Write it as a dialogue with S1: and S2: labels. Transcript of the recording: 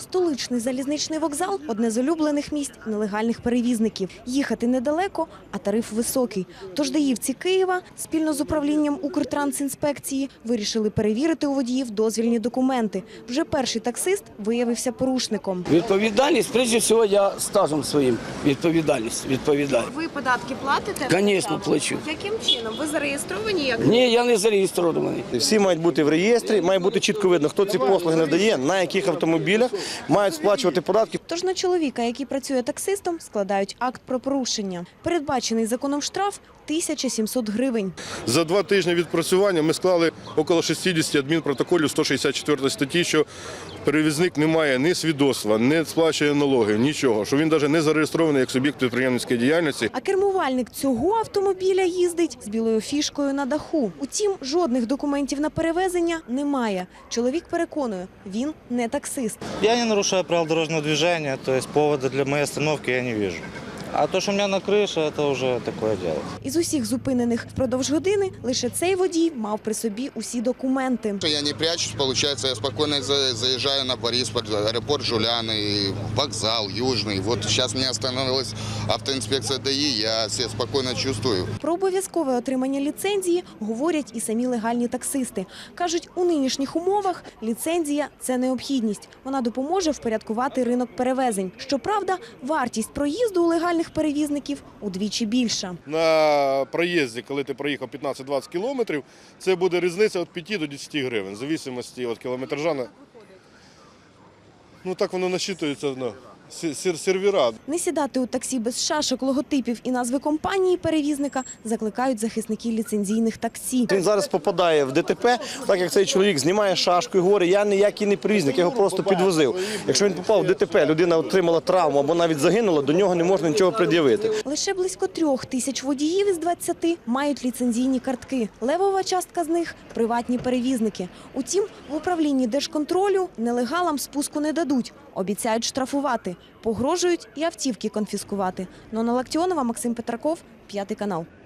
S1: Столичний залізничний вокзал – одне з улюблених місць нелегальних перевізників. Їхати недалеко, а тариф високий. Тож даївці Києва спільно з управлінням Укртрансінспекції вирішили перевірити у водіїв дозвільні документи. Вже перший таксист виявився порушником.
S2: Відповідальність, прежде всього, я стажем своїм відповідаю.
S1: Ви податки платите?
S2: Звісно, плачу.
S1: Яким чином? Ви зареєстровані як?
S2: Ні, я не зареєстрований.
S3: Всі мають бути в реєстрі, має бути чітко видно, хто ці послуги надає, на яких автомобілях мають сплачувати податки.
S1: Тож на чоловіка, який працює таксистом, складають акт про порушення. Передбачений законом штраф – 1700 гривень.
S4: За 2 тижні відпрацювання ми склали около 60 адмінпротоколів 164 статті, що перевізник не має ні свідоцтва, не сплачує налоги, нічого, що він навіть не зареєстрований як суб'єкт підприємницької діяльності.
S1: А кермувальник цього автомобіля їздить з білою фішкою на даху. Утім, жодних документів на перевезення немає. Чоловік переконує, він не таксист.
S5: Я не нарушаю правил дорожного движения, то есть повода для моей остановки я не вижу. А то, что у меня на крыше, это уже такое дело.
S1: Із усіх зупинених впродовж години лише цей водій мав при собі усі документи.
S6: Я не прячусь, получается, я спокойно заезжаю на Борисполь, аэропорт Жуляны, вокзал Южный. Вот сейчас мне остановилась автоинспекция ДАИ, я себя спокойно чувствую.
S1: Про обов'язкове отримання ліцензії говорять і самі легальні таксисти. Кажуть, у нинішніх умовах ліцензія – це необхідність. Вона допоможе впорядкувати ринок перевезень. Щоправда, вартість проїзду у легальних перевізників удвічі більша.
S4: На проїзді, коли ти проїхав 15-20 кілометрів, це буде різниця від 5 до 10 гривень, в залежності від кілометража. Ну так воно насчитується на сервера.
S1: Не сідати у таксі без шашок, логотипів і назви компанії перевізника закликають захисники ліцензійних таксі.
S3: Він зараз попадає в ДТП, так як цей чоловік знімає шашку і говорить, я ніякий не перевізник, я його просто підвозив. Якщо він попав в ДТП, людина отримала травму або навіть загинула, до нього не можна нічого пред'явити.
S1: Лише близько 3000 водіїв із 20 мають ліцензійні картки. Левова частка з них – приватні перевізники. Утім, в управлінні Держконтролю нелегалам спуску не дадуть. Обіцяють штрафувати. Погрожують і автівки конфіскувати. Нона Лактіонова, Максим Петраков, 5 канал.